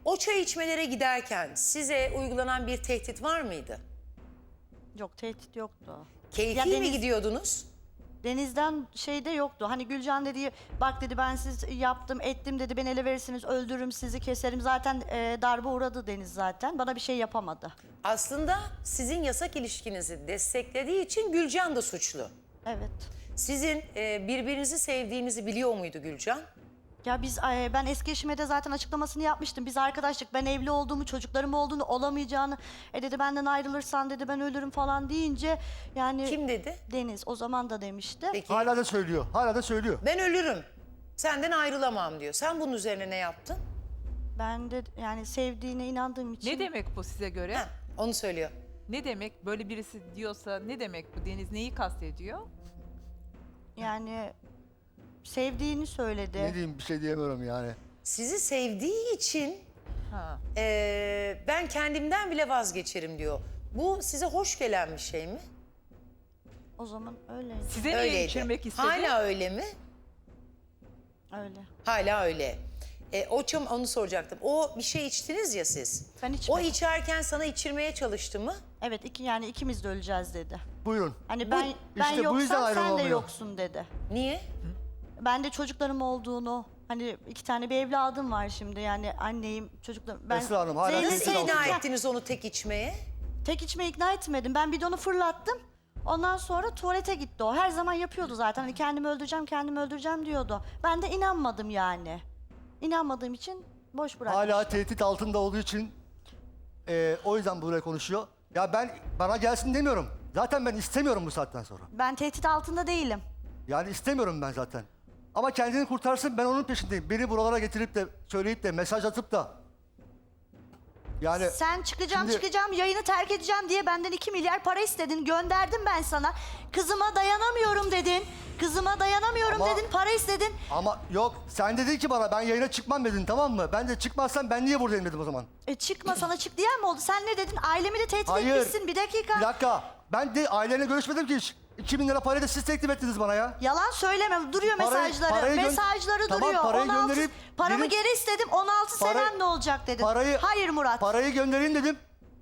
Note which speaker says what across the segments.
Speaker 1: O çay içmelere giderken size uygulanan bir tehdit var mıydı?
Speaker 2: Yok, tehdit yoktu.
Speaker 1: Keyfi
Speaker 2: Ya
Speaker 1: mi gidiyordunuz?
Speaker 2: Deniz'den şeyde yoktu. Hani Gülcan dedi, bak dedi ben siz yaptım ettim dedi, beni ele verirsiniz öldürürüm sizi keserim. Zaten darbe uğradı Deniz zaten. Bana bir şey yapamadı.
Speaker 1: Aslında sizin yasak ilişkinizi desteklediği için Gülcan da suçlu.
Speaker 2: Evet.
Speaker 1: Sizin birbirinizi sevdiğinizi biliyor muydu Gülcan?
Speaker 2: Ya ben eski eşime de zaten açıklamasını yapmıştım. Biz arkadaşlık, ben evli olduğumu, çocuklarım olduğunu, olamayacağını. Dedi benden ayrılırsan dedi ben ölürüm falan deyince yani...
Speaker 1: Kim dedi?
Speaker 2: Deniz o zaman da demişti.
Speaker 1: Peki.
Speaker 3: Hala da söylüyor. Hala da söylüyor.
Speaker 1: Ben ölürüm. Senden ayrılamam diyor. Sen bunun üzerine ne yaptın?
Speaker 2: Ben de yani sevdiğine inandığım için...
Speaker 4: Ne demek bu size göre?
Speaker 1: Ha, onu söylüyor.
Speaker 4: Ne demek böyle birisi diyorsa ne demek bu? Deniz neyi kastediyor?
Speaker 2: Yani sevdiğini söyledi.
Speaker 3: Ne diyeyim bir şey diyemiyorum yani.
Speaker 1: Sizi sevdiği için
Speaker 4: Ha.
Speaker 1: ben kendimden bile vazgeçerim diyor. Bu size hoş gelen bir şey mi?
Speaker 2: O zaman öyleydi.
Speaker 4: Size niye
Speaker 1: Öyleydi.
Speaker 4: içirmek istedi?
Speaker 1: Hala öyle mi?
Speaker 2: Öyle.
Speaker 1: Hala öyle. Onu soracaktım. O bir şey içtiniz ya siz.
Speaker 2: Ben
Speaker 1: O
Speaker 2: içmedim.
Speaker 1: içerken sana içirmeye çalıştı mı?
Speaker 2: Evet yani ikimiz de öleceğiz dedi.
Speaker 3: Buyurun.
Speaker 2: Hani ben
Speaker 3: işte bu yüzden
Speaker 2: yoksam sen de
Speaker 3: ayrılamıyor.
Speaker 2: yoksun dedi.
Speaker 1: Niye?
Speaker 2: Ben de çocuklarım olduğunu, hani 2 tane bir evladım var şimdi yani anneyim, çocuklarım. Ben
Speaker 3: Esra Hanım, hala
Speaker 2: Zeynep'i
Speaker 3: tehdit
Speaker 1: Nasıl ikna
Speaker 3: altında.
Speaker 1: ettiniz onu tek içmeye?
Speaker 2: tek içme ikna etmedim. Ben bidonu fırlattım. Ondan sonra tuvalete gitti o. Her zaman yapıyordu zaten. Hani kendimi öldüreceğim diyordu. Ben de inanmadım yani. İnanmadığım için boş bıraktım.
Speaker 3: Hala tehdit altında olduğu için o yüzden buraya konuşuyor. Ya bana gelsin demiyorum. Zaten ben istemiyorum bu saatten sonra.
Speaker 2: Ben tehdit altında değilim.
Speaker 3: Yani istemiyorum ben zaten. Ama kendini kurtarsın ben onun peşindeyim. Beni buralara getirip de söyleyip de mesaj atıp da. Yani
Speaker 2: Sen
Speaker 3: şimdi-
Speaker 2: çıkacağım, yayını terk edeceğim diye benden 2 milyar para istedin. Gönderdim ben sana. Kızıma dayanamıyorum dedin. Kızıma dayanamıyorum
Speaker 3: Ama-
Speaker 2: dedin, para istedin.
Speaker 3: ama yok sen dedin ki bana ben yayına çıkmam dedin tamam mı? Ben de çıkmazsam ben niye buradayım dedim o zaman.
Speaker 2: Çıkma sana çık diyen mi oldu? Sen ne dedin? Ailemi de tehdit
Speaker 3: Hayır.
Speaker 2: etmişsin. Bir dakika.
Speaker 3: Bir dakika. Ben de aileyle görüşmedim ki hiç. 2000 lira parayı da siz teklif ettiniz bana ya.
Speaker 2: Yalan söyleme. Duruyor
Speaker 3: Parayı-
Speaker 2: mesajları.
Speaker 3: parayı gö-
Speaker 2: Mesajları
Speaker 3: Tamam,
Speaker 2: duruyor.
Speaker 3: parayı
Speaker 2: 16
Speaker 3: gönderip
Speaker 2: paramı
Speaker 3: benim-
Speaker 2: geri istedim. 16
Speaker 3: Parayı-
Speaker 2: senem ne olacak dedin.
Speaker 3: Parayı,
Speaker 2: Hayır Murat.
Speaker 3: Parayı göndereyim dedim.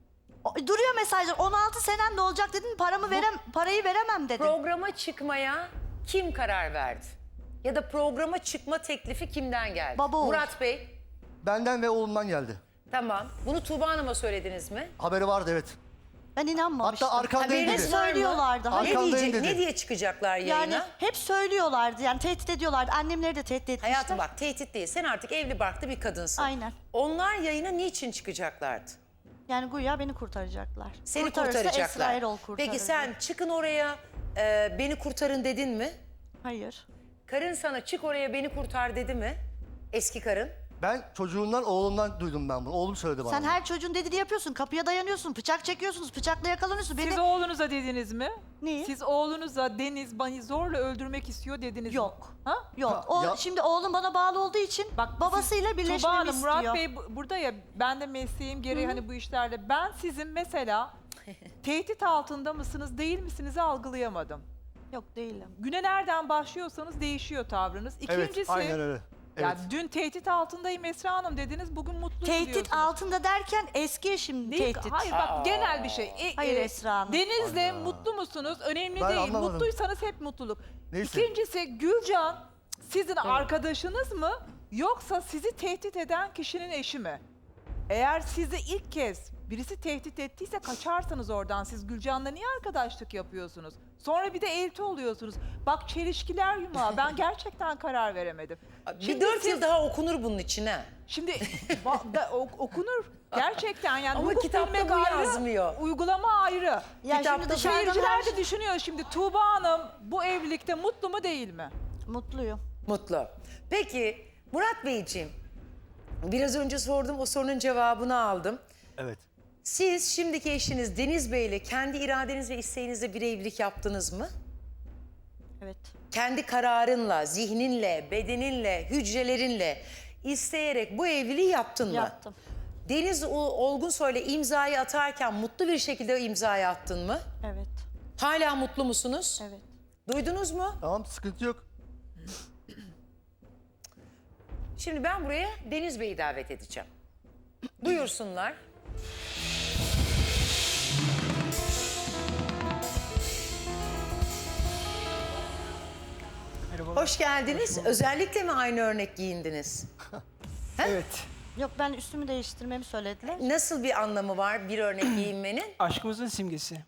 Speaker 2: Duruyor mesajlar. 16 senem ne olacak dedin. Parayı veremem dedin.
Speaker 1: Programa çıkmaya kim karar verdi? Ya da programa çıkma teklifi kimden geldi?
Speaker 2: Baba oğul.
Speaker 1: Murat Bey.
Speaker 3: Benden ve oğlumdan geldi.
Speaker 1: Tamam. Bunu Tuğba Hanım'a söylediniz mi?
Speaker 3: Haberi vardı evet.
Speaker 2: Ben inanmamıştım.
Speaker 3: Hatta arkandayım
Speaker 2: Haberiniz
Speaker 3: dedi.
Speaker 2: var mı? Söylüyorlardı.
Speaker 1: Ne,
Speaker 3: Arkandayım
Speaker 1: diyecek,
Speaker 3: dedi.
Speaker 1: ne diye çıkacaklar yayına?
Speaker 2: Yani hep söylüyorlardı. Yani tehdit ediyorlardı. Annemleri de tehdit etmişler.
Speaker 1: Hayatım bak tehdit değil. Sen artık evli barklı bir kadınsın.
Speaker 2: Aynen.
Speaker 1: Onlar yayına niçin çıkacaklardı?
Speaker 2: Yani güya beni kurtaracaklar.
Speaker 1: Seni
Speaker 2: Kurtarırsa
Speaker 1: kurtaracaklar.
Speaker 2: Esra Erol kurtarır.
Speaker 1: Peki sen çıkın oraya beni kurtarın dedin mi?
Speaker 2: Hayır.
Speaker 1: Karın sana çık oraya beni kurtar dedi mi? Eski karın.
Speaker 3: Ben çocuğundan, oğlumdan duydum ben bunu. Oğlum söyledi bana.
Speaker 2: Sen her çocuğun dediğini yapıyorsun. Kapıya dayanıyorsun. Bıçak çekiyorsunuz. Bıçakla yakalanıyorsun.
Speaker 4: Siz
Speaker 2: Beni...
Speaker 4: oğlunuza dediniz mi?
Speaker 2: Neyi?
Speaker 4: Siz oğlunuza Deniz beni zorla öldürmek istiyor dediniz mi?
Speaker 2: Yok.
Speaker 4: Ha?
Speaker 2: Yok.
Speaker 3: Ha, ya-
Speaker 2: Şimdi oğlum bana bağlı olduğu için babasıyla
Speaker 4: siz-
Speaker 2: birleşmemi
Speaker 4: Tuğba Hanım,
Speaker 2: istiyor.
Speaker 4: Murat Bey burada ya ben de mesleğim gereği hani bu işlerde ben sizin mesela tehdit altında mısınız değil misiniz algılayamadım.
Speaker 2: Yok değilim.
Speaker 4: Güne nereden başlıyorsanız değişiyor tavrınız.
Speaker 3: Evet
Speaker 4: İkincisi
Speaker 3: aynen öyle. Evet.
Speaker 4: ya dün tehdit altındayım Esra Hanım dediniz bugün mutlu
Speaker 2: Tehdit
Speaker 4: diyorsunuz.
Speaker 2: altında derken eski eşim
Speaker 4: Değil,
Speaker 2: tehdit.
Speaker 4: hayır bak genel bir şey.
Speaker 2: Hayır Esra Hanım.
Speaker 4: Deniz'le mutlu musunuz? Önemli
Speaker 3: Ben
Speaker 4: değil.
Speaker 3: anlamadım.
Speaker 4: Mutluysanız hep mutluluk.
Speaker 3: Neyse.
Speaker 4: İkincisi Gülcan sizin arkadaşınız mı yoksa sizi tehdit eden kişinin eşi mi? Eğer sizi ilk kez birisi tehdit ettiyse kaçarsanız oradan siz Gülcan'la niye arkadaşlık yapıyorsunuz? Sonra bir de elti oluyorsunuz. Bak çelişkiler yumağı. Ben gerçekten karar veremedim.
Speaker 1: Bir 4 yıl daha okunur bunun içine.
Speaker 4: Şimdi okunur. Gerçekten yani
Speaker 1: Ama
Speaker 4: hukuk
Speaker 1: kitapta
Speaker 4: bilmek
Speaker 1: bu
Speaker 4: ayrı,
Speaker 1: yazmıyor.
Speaker 4: uygulama ayrı.
Speaker 2: Ya şimdi
Speaker 1: Kitapta
Speaker 2: dışarıdan
Speaker 4: Seyirciler de düşünüyor şimdi Tuğba Hanım bu evlilikte mutlu mu değil mi?
Speaker 2: Mutluyum.
Speaker 1: Mutlu. Peki Murat Beyciğim, biraz önce sordum o sorunun cevabını aldım.
Speaker 3: Evet.
Speaker 1: Siz şimdiki eşiniz Deniz Bey ile kendi iradeniz ve isteğinizle bir evlilik yaptınız mı?
Speaker 2: Evet.
Speaker 1: Kendi kararınla, zihninle, bedeninle, hücrelerinle isteyerek bu evliliği yaptın mı?
Speaker 2: Yaptım.
Speaker 1: Deniz Olgunsoy'la imzayı atarken mutlu bir şekilde imzayı attın mı?
Speaker 2: Evet.
Speaker 1: Hala mutlu musunuz?
Speaker 2: Evet.
Speaker 1: Duydunuz mu?
Speaker 3: Tamam sıkıntı yok.
Speaker 1: Şimdi ben buraya Deniz Bey'i davet edeceğim. Buyursunlar. Hoş geldiniz. Özellikle mi aynı örnek giyindiniz?
Speaker 5: Evet.
Speaker 2: Yok, ben üstümü değiştirmemi söylediler.
Speaker 1: Nasıl bir anlamı var bir örnek giyinmenin?
Speaker 5: Aşkımızın simgesi.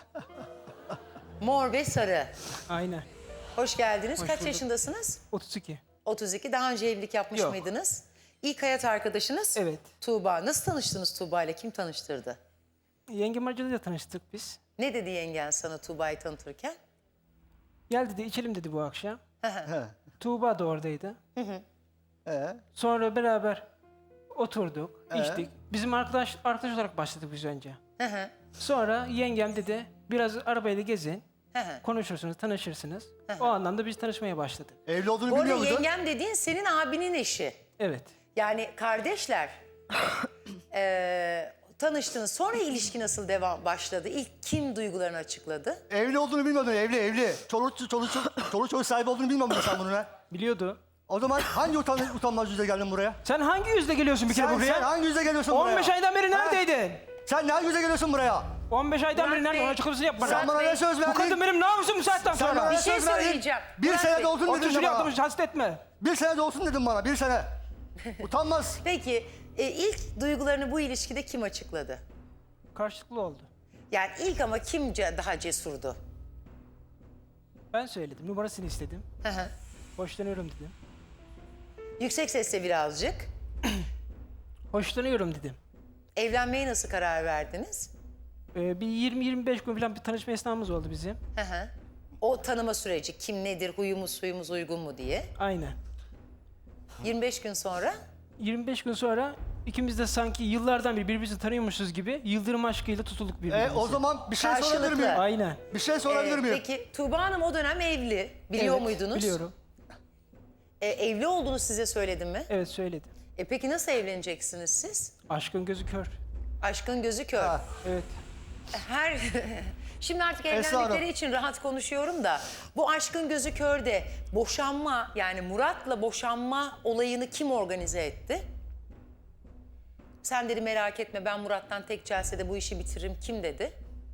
Speaker 1: Mor ve sarı.
Speaker 5: Aynen.
Speaker 1: Hoş geldiniz.
Speaker 5: Hoş
Speaker 1: Kaç
Speaker 5: bulduk.
Speaker 1: yaşındasınız?
Speaker 5: 32.
Speaker 1: 32. Daha önce evlilik yapmış
Speaker 5: Yok.
Speaker 1: mıydınız? İlk hayat arkadaşınız?
Speaker 5: Evet.
Speaker 1: Tuğba. Nasıl tanıştınız Tuğba ile? Kim tanıştırdı?
Speaker 5: Yengem aracılığıyla tanıştık biz.
Speaker 1: Ne dedi yengen sana Tuğba'yı tanıtırken?
Speaker 5: Gel dedi, içelim dedi bu akşam.
Speaker 3: He.
Speaker 5: Tuğba da oradaydı.
Speaker 3: Ee?
Speaker 5: Sonra beraber oturduk, içtik. Bizim arkadaş olarak başladık biz önce.
Speaker 1: Hı hı.
Speaker 5: Sonra yengem dedi, biraz arabayla gezin,
Speaker 1: Hı hı.
Speaker 5: konuşursunuz, tanışırsınız. O anlamda biz tanışmaya başladık.
Speaker 3: Evli olduğunu
Speaker 1: Bu arada
Speaker 3: biliyor muydun?
Speaker 1: yengem dediğin senin abinin eşi.
Speaker 5: Evet.
Speaker 1: Yani kardeşler. Tanıştınız. Sonra ilişki nasıl başladı? İlk kim duygularını açıkladı?
Speaker 3: Evli olduğunu bilmiyordun, evli. Çoluk çocuk sahibi olduğunu bilmiyor muydun sen bunu ne?
Speaker 5: Biliyordu.
Speaker 3: O zaman hangi utanmaz yüzle geldin buraya?
Speaker 5: Sen hangi yüzle geliyorsun bir kere
Speaker 3: Sen
Speaker 5: buraya?
Speaker 3: hangi yüzle geliyorsun buraya?
Speaker 5: 15 aydan beri
Speaker 3: Ha?
Speaker 5: neredeydin?
Speaker 3: Sen hangi yüzle geliyorsun buraya?
Speaker 5: 15 aydan
Speaker 1: Murat
Speaker 5: beri nerede?
Speaker 1: Bey,
Speaker 5: Onun açıklamasını yap bana.
Speaker 3: Sen bana ne söz
Speaker 5: Bu
Speaker 3: verdin?
Speaker 5: kadın benim namusum bu saatten
Speaker 3: Sen
Speaker 5: sonra.
Speaker 3: bana
Speaker 1: Bir
Speaker 3: ne
Speaker 1: şey
Speaker 3: söz verdin?
Speaker 1: söyleyeceğim.
Speaker 3: Bir
Speaker 1: Murat
Speaker 3: sene
Speaker 1: Bey,
Speaker 3: de olsun dedin
Speaker 5: Otur
Speaker 3: de
Speaker 5: şuraya
Speaker 3: bana.
Speaker 5: atlamış, hasret etme.
Speaker 3: Bir sene de olsun dedin bana, bir sene. Utanmaz.
Speaker 1: Peki ilk duygularını bu ilişkide kim açıkladı?
Speaker 5: Karşılıklı oldu.
Speaker 1: Yani ilk ama kim daha cesurdu?
Speaker 5: Ben söyledim, numarasını istedim.
Speaker 1: Hı hı.
Speaker 5: Hoşlanıyorum dedim.
Speaker 1: Yüksek sesle birazcık.
Speaker 5: Hoşlanıyorum dedim.
Speaker 1: Evlenmeye nasıl karar verdiniz?
Speaker 5: Bir 20-25 gün falan bir tanışma esnamız oldu bizim.
Speaker 1: Hı hı. O tanıma süreci kim nedir, huyumuz suyumuz uygun mu diye.
Speaker 5: Aynen.
Speaker 1: 25 gün sonra
Speaker 5: 25 gün sonra ikimiz de sanki yıllardan beri birbirimizi tanıyormuşuz gibi yıldırım aşkıyla tutulduk birbirimize.
Speaker 3: O zaman bir şey sorabilir
Speaker 1: Karşılıklı.
Speaker 3: miyim?
Speaker 5: Aynen.
Speaker 3: Bir şey sorabilir miyim?
Speaker 1: Peki Tuğba Hanım o dönem evli. Biliyor
Speaker 5: Evet,
Speaker 1: muydunuz?
Speaker 5: Biliyorum.
Speaker 1: Evli olduğunu size söyledim mi?
Speaker 5: Evet söyledi.
Speaker 1: Peki nasıl evleneceksiniz siz?
Speaker 5: Aşkın gözü kör.
Speaker 1: Aşkın gözü kör.
Speaker 3: Ha.
Speaker 5: Evet.
Speaker 1: Şimdi artık
Speaker 3: Esra Hanım.
Speaker 1: evlendikleri için rahat konuşuyorum da bu aşkın gözü körde boşanma, yani Murat'la boşanma olayını kim organize etti? Sen dedi merak etme, ben Murat'tan tek celsede bu işi bitiririm. Kim dedi?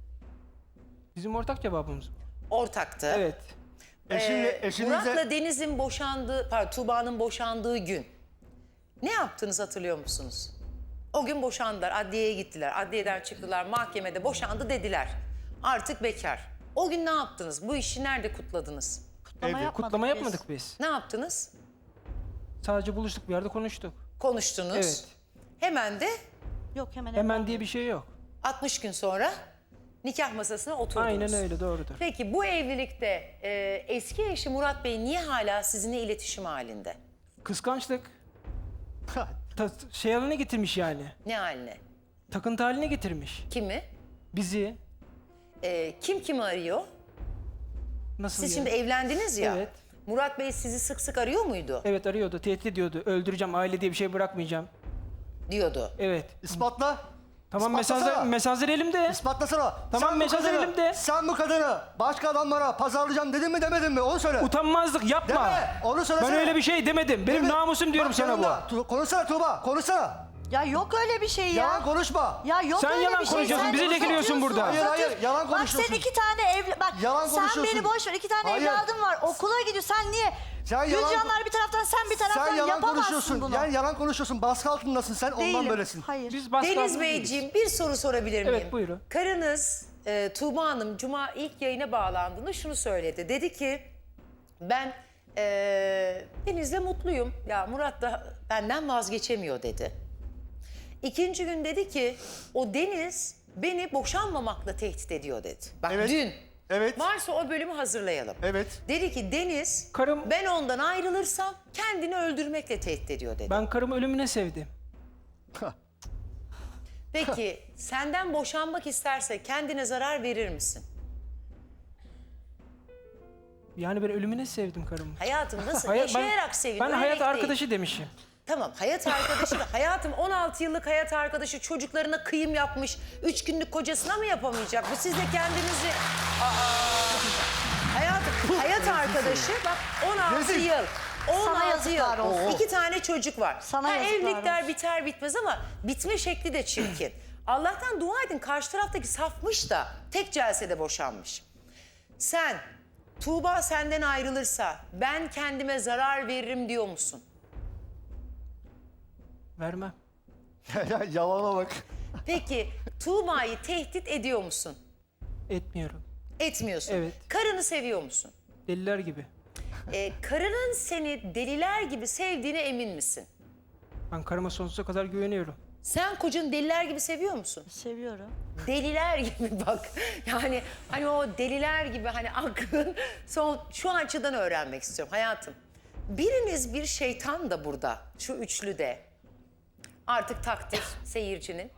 Speaker 5: Bizim ortak cevabımız.
Speaker 1: Ortaktı.
Speaker 5: Evet.
Speaker 3: Eşinizle...
Speaker 1: Murat'la Deniz'in boşandığı, pardon Tuğba'nın boşandığı gün ne yaptınız hatırlıyor musunuz? O gün boşandılar, adliyeye gittiler. Adliyeden çıktılar, mahkemede boşandı dediler. Artık bekar. O gün ne yaptınız? Bu işi nerede kutladınız?
Speaker 2: Kutlama yapmadık
Speaker 5: Kutlama
Speaker 2: biz.
Speaker 5: yapmadık biz.
Speaker 1: Ne yaptınız?
Speaker 5: Sadece buluştuk bir yerde konuştuk.
Speaker 1: Konuştunuz.
Speaker 5: Evet.
Speaker 1: Hemen de
Speaker 2: Yok, hemen
Speaker 5: Hemen diye bir şey yok.
Speaker 1: 60 gün sonra nikah masasına oturdunuz.
Speaker 5: Aynen öyle, doğrudur.
Speaker 1: Peki bu evlilikte eski eşi Murat Bey niye hala sizinle iletişim halinde?
Speaker 5: Kıskançlık. Şey haline getirmiş yani.
Speaker 1: Ne haline?
Speaker 5: Takıntı haline getirmiş.
Speaker 1: Kimi?
Speaker 5: Bizi.
Speaker 1: Kim kimi arıyor?
Speaker 5: Nasıl
Speaker 1: Siz
Speaker 5: yani?
Speaker 1: şimdi evlendiniz ya.
Speaker 5: Evet.
Speaker 1: Murat Bey sizi sık sık arıyor muydu?
Speaker 5: Evet arıyordu, tehdit ediyordu. Öldüreceğim, aile diye bir şey bırakmayacağım.
Speaker 1: Diyordu.
Speaker 5: Evet.
Speaker 3: İspatla.
Speaker 5: Tamam
Speaker 3: İspatlasana.
Speaker 5: mesajlar elimde.
Speaker 3: İspatlasana.
Speaker 5: Tamam,
Speaker 3: Sen bu
Speaker 5: mesajlar
Speaker 3: kadını-
Speaker 5: elimde.
Speaker 3: Sen bu kadını başka adamlara pazarlayacağım dedin mi demedin mi? Onu söyle.
Speaker 5: Utanmazlık yapma.
Speaker 3: Deme, onu söylesene.
Speaker 5: Ben öyle bir şey demedim. Benim
Speaker 3: Deme.
Speaker 5: namusum diyorum
Speaker 3: Bak
Speaker 5: sana bu.
Speaker 3: yanımda. Konuşsana Tuğba, konuşsana.
Speaker 2: Ya yok öyle bir şey ya.
Speaker 3: Yalan konuşma.
Speaker 2: Ya yok
Speaker 5: Sen
Speaker 2: öyle
Speaker 5: yalan
Speaker 2: bir şey.
Speaker 5: konuşuyorsun,
Speaker 2: Sen
Speaker 5: bizi lekeliyorsun burada.
Speaker 3: Hayır,
Speaker 2: uzatıyorsun.
Speaker 3: yalan
Speaker 2: Bak
Speaker 3: konuşuyorsun.
Speaker 2: sen 2 tane
Speaker 3: Yalan
Speaker 2: sen
Speaker 3: konuşuyorsun.
Speaker 2: beni boş ver. 2 tane
Speaker 3: Hayır.
Speaker 2: evladım var. Okula gidiyor. Sen niye?
Speaker 3: Sen yalan-
Speaker 2: Gülcanlar bir taraftan, sen bir taraftan
Speaker 3: Sen yalan
Speaker 2: yapamazsın
Speaker 3: konuşuyorsun.
Speaker 2: bunu.
Speaker 3: Yani yalan konuşuyorsun. Baskı altındasın sen, ondan
Speaker 2: Değilim.
Speaker 3: böylesin.
Speaker 2: Hayır.
Speaker 5: Biz baskı
Speaker 1: Deniz
Speaker 5: altında değiliz.
Speaker 1: Beyciğim bir soru sorabilir miyim?
Speaker 5: Evet, buyurun.
Speaker 1: Karınız Tuğba Hanım Cuma ilk yayına bağlandığında şunu söyledi. Dedi ki ben Deniz'le mutluyum. Ya Murat da benden vazgeçemiyor dedi. İkinci gün dedi ki o Deniz beni boşanmamakla tehdit ediyor dedi. Bak
Speaker 3: Evet.
Speaker 1: dün.
Speaker 3: Evet.
Speaker 1: Varsa o bölümü hazırlayalım.
Speaker 3: Evet.
Speaker 1: Dedi ki Deniz
Speaker 5: Karım-
Speaker 1: ben ondan ayrılırsam kendini öldürmekle tehdit ediyor dedi.
Speaker 5: Ben karımı ölümüne sevdim.
Speaker 1: Peki senden boşanmak isterse kendine zarar verir misin?
Speaker 5: Yani ben ölümüne sevdim karımı.
Speaker 1: Hayatım nasıl?
Speaker 5: Hayat-
Speaker 1: Yaşayarak sevin.
Speaker 5: ben
Speaker 1: ölmek
Speaker 5: hayat
Speaker 1: değil.
Speaker 5: arkadaşı demişim.
Speaker 1: Tamam hayat arkadaşı da hayatım 16 yıllık hayat arkadaşı çocuklarına kıyım yapmış 3 günlük kocasına mı yapamayacak? Bu siz de kendinizi... Hayatım hayat arkadaşı bak 16
Speaker 3: Rezil.
Speaker 1: yıl
Speaker 2: Sana
Speaker 1: 16 yıl.
Speaker 2: yazıklar olsun.
Speaker 1: 2 tane çocuk var.
Speaker 2: Sana yazıklar
Speaker 1: evlilikler
Speaker 2: olsun.
Speaker 1: biter bitmez ama bitme şekli de çirkin. Allah'tan dua edin karşı taraftaki safmış da tek celsede boşanmış. Sen Tuğba senden ayrılırsa ben kendime zarar veririm diyor musun?
Speaker 5: Vermem.
Speaker 3: Yalana bak.
Speaker 1: Peki Tuğba'yı tehdit ediyor musun?
Speaker 5: Etmiyorum.
Speaker 1: Etmiyorsun.
Speaker 5: Evet.
Speaker 1: Karını seviyor musun?
Speaker 5: Deliler gibi.
Speaker 1: Karının seni deliler gibi sevdiğine emin misin?
Speaker 5: Ben karıma sonsuza kadar güveniyorum.
Speaker 1: Sen kocanı deliler gibi seviyor musun?
Speaker 2: Seviyorum.
Speaker 1: Deliler gibi bak. Yani hani o deliler gibi hani aklın şu açıdan öğrenmek istiyorum hayatım. Biriniz bir şeytan da burada şu üçlüde. Artık takdir seyircinin.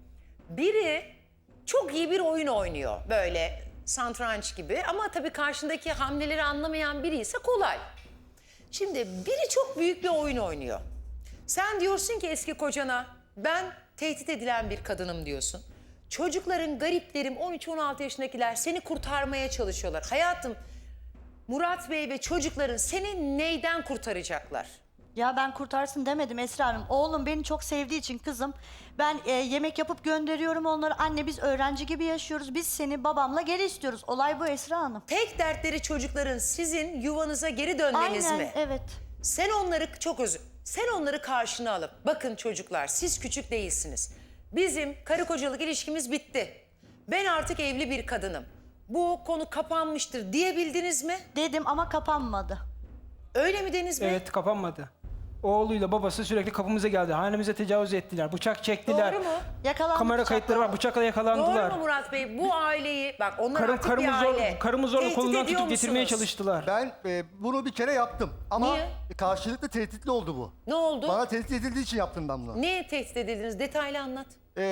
Speaker 1: Biri çok iyi bir oyun oynuyor böyle satranç gibi ama tabii karşındaki hamleleri anlamayan biri ise kolay. Şimdi biri çok büyük bir oyun oynuyor. Sen diyorsun ki eski kocana ben tehdit edilen bir kadınım diyorsun. Çocukların, gariplerim 13-16 yaşındakiler seni kurtarmaya çalışıyorlar. Hayatım Murat Bey ve çocukların seni neyden kurtaracaklar?
Speaker 2: Ya ben kurtarsın demedim Esra Hanım. Oğlum beni çok sevdiği için kızım. Ben yemek yapıp gönderiyorum onları. Anne biz öğrenci gibi yaşıyoruz. Biz seni babamla geri istiyoruz. Olay bu Esra Hanım.
Speaker 1: Tek dertleri çocukların sizin yuvanıza geri dönmeniz
Speaker 2: Aynen
Speaker 1: mi?
Speaker 2: evet.
Speaker 1: Sen onları sen onları karşına alıp bakın çocuklar siz küçük değilsiniz. Bizim karı kocalık ilişkimiz bitti. Ben artık evli bir kadınım. Bu konu kapanmıştır diyebildiniz mi?
Speaker 2: Dedim ama kapanmadı.
Speaker 1: Öyle mi Deniz Bey?
Speaker 5: Evet, kapanmadı. Oğluyla babası sürekli kapımıza geldi. Hanemize tecavüz ettiler. Bıçak çektiler.
Speaker 1: Doğru mu?
Speaker 2: Yakalandı.
Speaker 5: Kamera kayıtları var. Bıçakla yakalandılar.
Speaker 1: Doğru mu Murat Bey? Bu aileyi bak onlar artık bir aile.
Speaker 5: Karımı zorla
Speaker 1: Tehdit
Speaker 5: kolundan
Speaker 1: ediyor
Speaker 5: tutup getirmeye
Speaker 1: musunuz?
Speaker 5: çalıştılar.
Speaker 3: Ben bunu bir kere yaptım. Ama
Speaker 1: Niye?
Speaker 3: karşılıklı tehditli oldu bu.
Speaker 1: Ne oldu?
Speaker 3: Bana tehdit edildiği için yaptım ben bunu.
Speaker 1: Niye tehdit edildiniz? Detaylı anlat.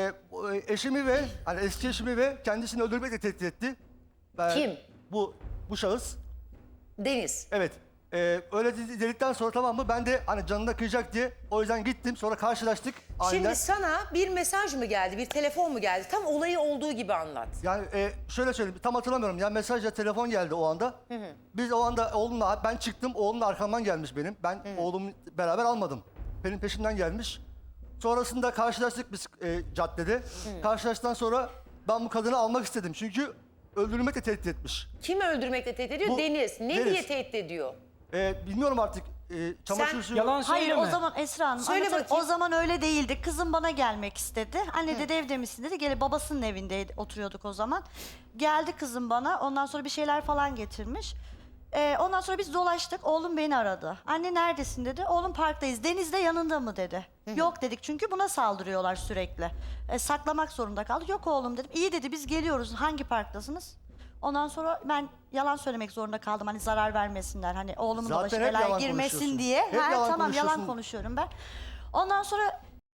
Speaker 3: Eşimi ve hani eski eşimi ve kendisini öldürmekle tehdit etti.
Speaker 1: Kim?
Speaker 3: Bu şahıs.
Speaker 1: Deniz.
Speaker 3: Evet. Öyle dedikten sonra tamam mı ben de hani canına kıyacak diye o yüzden gittim sonra karşılaştık aniden.
Speaker 1: Şimdi sana bir mesaj mı geldi, bir telefon mu geldi? Tam olayı olduğu gibi anlat.
Speaker 3: Yani şöyle söyleyeyim tam hatırlamıyorum ya mesajla telefon geldi o anda. Biz o anda oğlumla ben çıktım oğlum arkamdan gelmiş benim. Ben oğlumu beraber almadım. Benim peşimden gelmiş. Sonrasında karşılaştık biz caddede. Karşılaştıktan sonra ben bu kadını almak istedim çünkü öldürmekle tehdit etmiş.
Speaker 1: Kim öldürmekle tehdit ediyor?
Speaker 3: Bu-
Speaker 1: Deniz. Ne
Speaker 3: Deniz.
Speaker 1: diye tehdit ediyor?
Speaker 3: Bilmiyorum artık çamaşır suyu.
Speaker 5: Yalan
Speaker 2: Hayır
Speaker 5: söyleme.
Speaker 2: o zaman Esra Hanım
Speaker 1: Söyle
Speaker 2: anlatayım.
Speaker 1: bakayım.
Speaker 2: O zaman öyle değildi. Kızım bana gelmek istedi. Anne dedi evde misin dedi. Gelip babasının evinde oturuyorduk o zaman. Geldi kızım bana. Ondan sonra bir şeyler falan getirmiş. Ondan sonra biz dolaştık. Oğlum beni aradı. Anne neredesin dedi. Oğlum parktayız. Deniz de yanında mı dedi. Yok dedik çünkü buna saldırıyorlar sürekli. Saklamak zorunda kaldık. Yok oğlum dedim. İyi dedi biz geliyoruz. Hangi parktasınız? Ondan sonra ben yalan söylemek zorunda kaldım. Hani zarar vermesinler. Hani oğlumun da başı
Speaker 3: Zaten hep
Speaker 2: belaya
Speaker 3: yalan
Speaker 2: girmesin
Speaker 3: konuşuyorsun.
Speaker 2: diye.
Speaker 3: Hep yalan
Speaker 2: Tamam yalan
Speaker 3: konuşuyorsun.
Speaker 2: konuşuyorum ben. Ondan sonra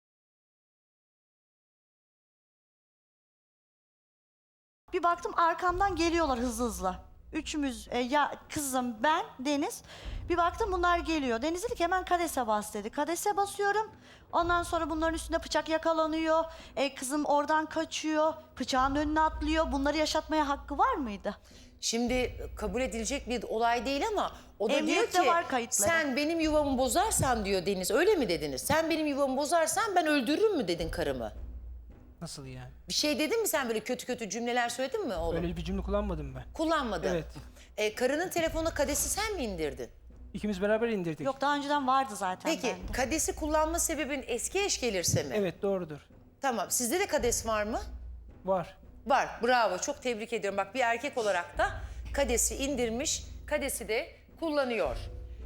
Speaker 2: bir baktım arkamdan geliyorlar hızlı hızlı. Üçümüz ya kızım ben Deniz. Bir baktım bunlar geliyor. Deniz dedi ki hemen kadese bas dedi. Kadese basıyorum. Ondan sonra bunların üstünde bıçak yakalanıyor. Kızım oradan kaçıyor. Bıçağın önüne atlıyor. Bunları yaşatmaya hakkı var mıydı?
Speaker 1: Şimdi kabul edilecek bir olay değil ama o da diyor
Speaker 2: Emniyette
Speaker 1: ki
Speaker 2: var kayıtları.
Speaker 1: sen benim yuvamı bozarsan diyor Deniz. Öyle mi dediniz? Sen benim yuvamı bozarsan ben öldürürüm mü dedin karımı?
Speaker 5: Nasıl yani?
Speaker 1: Bir şey dedin mi sen böyle kötü kötü cümleler söyledin mi oğlum?
Speaker 5: Öyle bir cümle kullanmadım ben.
Speaker 1: Kullanmadın.
Speaker 5: Evet.
Speaker 1: Karının telefonuna kadesi sen mi indirdin?
Speaker 5: İkimiz beraber indirdik.
Speaker 2: Yok daha önceden vardı zaten
Speaker 1: Peki
Speaker 2: bende.
Speaker 1: kadesi kullanma sebebin eski eş gelirse mi?
Speaker 5: Evet, doğrudur.
Speaker 1: Tamam. Sizde de kades var mı?
Speaker 5: Var.
Speaker 1: Var. Bravo. Çok tebrik ediyorum. Bak bir erkek olarak da kadesi indirmiş. Kadesi de kullanıyor.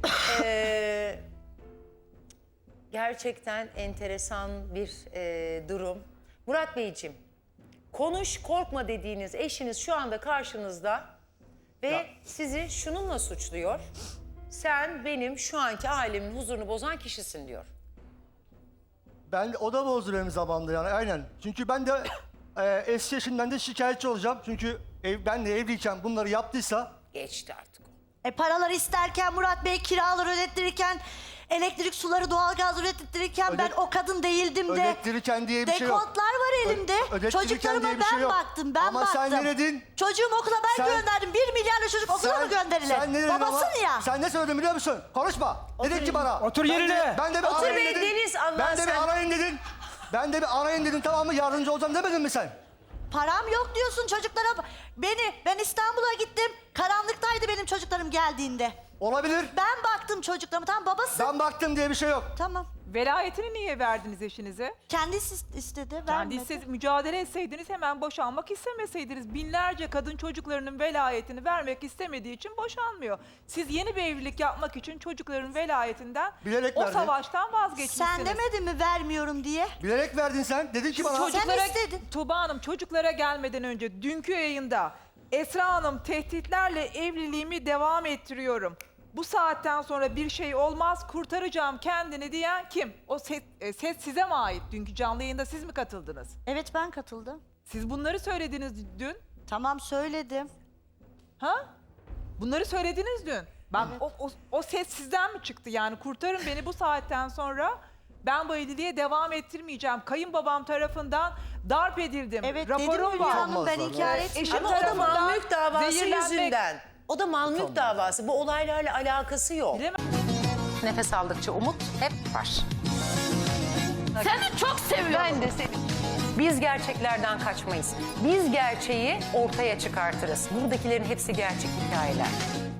Speaker 1: Gerçekten enteresan bir durum. Murat Beyciğim, konuş korkma dediğiniz eşiniz şu anda karşınızda ve
Speaker 3: Ya.
Speaker 1: sizi şununla suçluyor. Sen benim şu anki ailemin huzurunu bozan kişisin diyor.
Speaker 3: O da bozdu benim zamanımda yani aynen. Çünkü ben de eski eşimden de şikayetçi olacağım. Çünkü benle evliyken bunları yaptıysa
Speaker 1: Geçti artık o.
Speaker 2: Paralar isterken Murat Bey kiralar ödettirirken elektrik suları doğalgaz ödettirirken ben
Speaker 3: Ödet-
Speaker 2: o kadın değildim de.
Speaker 3: ödettirirken diye bir şey yok.
Speaker 2: Dekontlar var elimde.
Speaker 3: ödettirirken
Speaker 2: Çocuklarıma
Speaker 3: diye bir şey
Speaker 2: ben
Speaker 3: yok.
Speaker 2: baktım, ben
Speaker 3: Ama
Speaker 2: baktım.
Speaker 3: sen ne dedin?
Speaker 2: Çocuğumu okula ben
Speaker 3: Sen-
Speaker 2: gönderdim. 1 milyarla çocuk okula mı gönderilir?
Speaker 3: Sen ne dedin ama?
Speaker 2: Babasın ya.
Speaker 3: Sen ne söyledin biliyor musun? Konuşma. Dedin ki bana.
Speaker 5: Otur
Speaker 3: ben de-
Speaker 5: yerine.
Speaker 3: Ben de bir
Speaker 1: Otur
Speaker 3: arayın
Speaker 1: be
Speaker 3: dedin.
Speaker 1: Deniz, Allah
Speaker 3: Ben de
Speaker 1: sen-
Speaker 3: bir arayın dedin. Ben de bir arayın dedin, tamam mı? Yardımcı olacağım demedin mi sen?
Speaker 2: Param yok diyorsun çocuklara. Ben İstanbul'a gittim. Karanlıktaydı benim çocuklarım geldiğinde.
Speaker 3: Olabilir.
Speaker 2: Ben baktım çocuklarıma. Tamam babasın.
Speaker 3: Ben baktım diye bir şey yok.
Speaker 2: Tamam.
Speaker 4: Velayetini niye verdiniz eşinize?
Speaker 2: Kendisi istedi. Vermedi.
Speaker 4: Kendisi mücadele etseydiniz hemen boşanmak istemeseydiniz. Binlerce kadın çocuklarının velayetini vermek istemediği için boşanmıyor. Siz yeni bir evlilik yapmak için çocukların velayetinden
Speaker 3: Bilerek
Speaker 4: o
Speaker 3: verdi.
Speaker 4: savaştan vazgeçmişsiniz.
Speaker 2: Sen demedin mi vermiyorum diye?
Speaker 3: Bilerek verdin sen. Dedin ki bana.
Speaker 4: Çocuklara,
Speaker 2: istedin.
Speaker 4: Tuğba Hanım çocuklara gelmeden önce dünkü yayında Esra Hanım tehditlerle evliliğimi devam ettiriyorum. Bu saatten sonra bir şey olmaz, kurtaracağım kendini diyen kim? O set size mi ait? Dünkü canlı yayında siz mi katıldınız?
Speaker 2: Evet ben katıldım.
Speaker 4: Siz bunları söylediniz dün.
Speaker 2: Tamam söyledim.
Speaker 4: Ha? Bunları söylediniz dün. Bak o ses sizden mi çıktı? Yani kurtarın beni bu saatten sonra ben bu evliliğe devam ettirmeyeceğim. Kayınbabam tarafından darp edildim.
Speaker 2: Evet dedim
Speaker 4: Raporum
Speaker 2: Hülya
Speaker 4: var.
Speaker 2: Hanım ben
Speaker 3: Olmazlar,
Speaker 2: inkar
Speaker 3: evet.
Speaker 2: etmiyorum.
Speaker 1: Ama o da
Speaker 4: tarafından
Speaker 1: mal mülk davası
Speaker 4: zehirlenmek-
Speaker 1: yüzünden. O da mal mülk davası. Bu olaylarla alakası yok.
Speaker 4: Bilemem.
Speaker 1: Nefes aldıkça umut hep var.
Speaker 6: Seni çok seviyorum.
Speaker 1: Ben de seni. Biz gerçeklerden kaçmayız. Biz gerçeği ortaya çıkartırız. Buradakilerin hepsi gerçek hikayeler.